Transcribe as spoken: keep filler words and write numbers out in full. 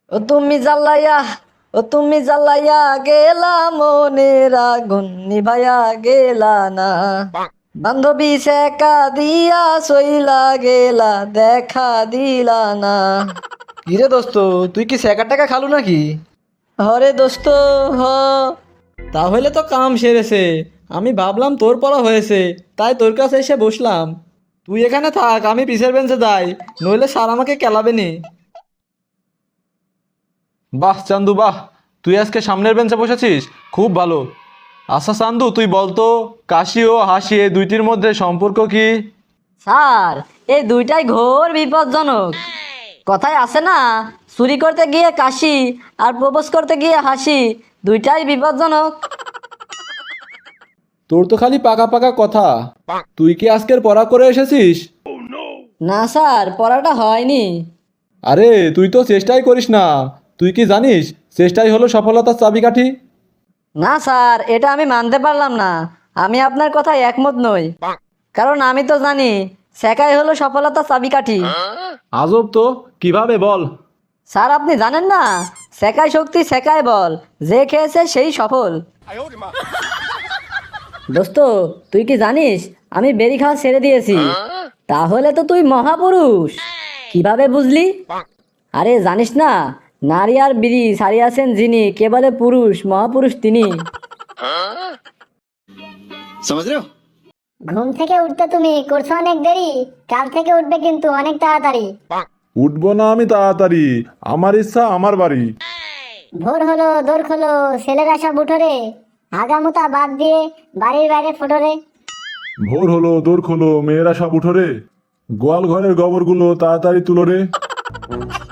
ও তুমি জ্বালাইয়া ও তুমি জ্বালাইয়া গেলা মনের আগুন নিভাইয়া গেলা না, বান্ধবী সেকা দিয়া সইলা গেলা দেখা দিলা না। কিরে দোস্ত, তুই কি স্যাকার টাকা খালু নাকি? হরে দোস্ত হ। তাহলে তো কাম সেরেছে। আমি ভাবলাম তোর পড়া হয়েছে, তাই তোর কাছে এসে বসলাম। তুই এখানে থাক, আমি পিছের বেঞ্চে যাই, নইলে স্যার আমাকে কেলাবে নি। বাহ চান্দু বাহ, তুই আজকে সামনের বেঞ্চে বসেছিস, খুব ভালো। আচ্ছা চান্দু, তুই বলতো কাশি ও হাসি এই দুইটির মধ্যে সম্পর্ক কি? স্যার, এই দুইটাই ঘোর বিপজ্জনক। কথায় আছে না, চুরি করতে গিয়ে কাশি আর প্রপোজ করতে গিয়ে হাসি, দুইটাই বিপজ্জনক। তোর তো খালি পাকা পাকা কথা। তুই কি আজকের পড়া করে এসেছিস? না স্যার, পড়াটা হয়নি। আরে তুই তো চেষ্টাই করিস না। তুই কি জানিস চেষ্টাই হলো সফলতার চাবিকাঠি? না স্যার, এটা আমি মানতে পারলাম না। আমি আপনার কথায় একমত নই, কারণ আমি তো জানি শেখাই হলো সফলতার চাবিকাঠি। আজব তো, কিভাবে বল? স্যার, আপনি জানেন না, শেখাই শক্তি শেখাই বল, যে খেয়েছে সেই সফল। দোস্ত, তুই কি জানিস আমি বেরি খাওয়া ছেড়ে দিয়েছি? তাহলে তো তুই মহাপুরুষ। কিভাবে বুঝলি? আরে জানিস না, নারী আর বিড়ি ছাড়িয়াছেন যিনি, কেবলে পুরুষ মহাপুরুষ তিনি। ঘুম থেকে উঠতে তুমি করছো অনেক দেরি, কাল থেকে উঠবে কিন্তু অনেক তাড়াতাড়ি। উঠবো না আমি তাড়াতাড়ি, আমার ইচ্ছা আমার বাড়ি। ভোর হলো দোর খোলো, ছেলেরা সব উঠো রে, হাগামুতা বাদ দিয়ে বাড়ির বাইরে ফোটো রে। ভোর হলো দোর খোলো, মেয়েরা সব উঠো রে, গোয়াল ঘরের গোবরগুলো তাড়াতাড়ি তুলো রে।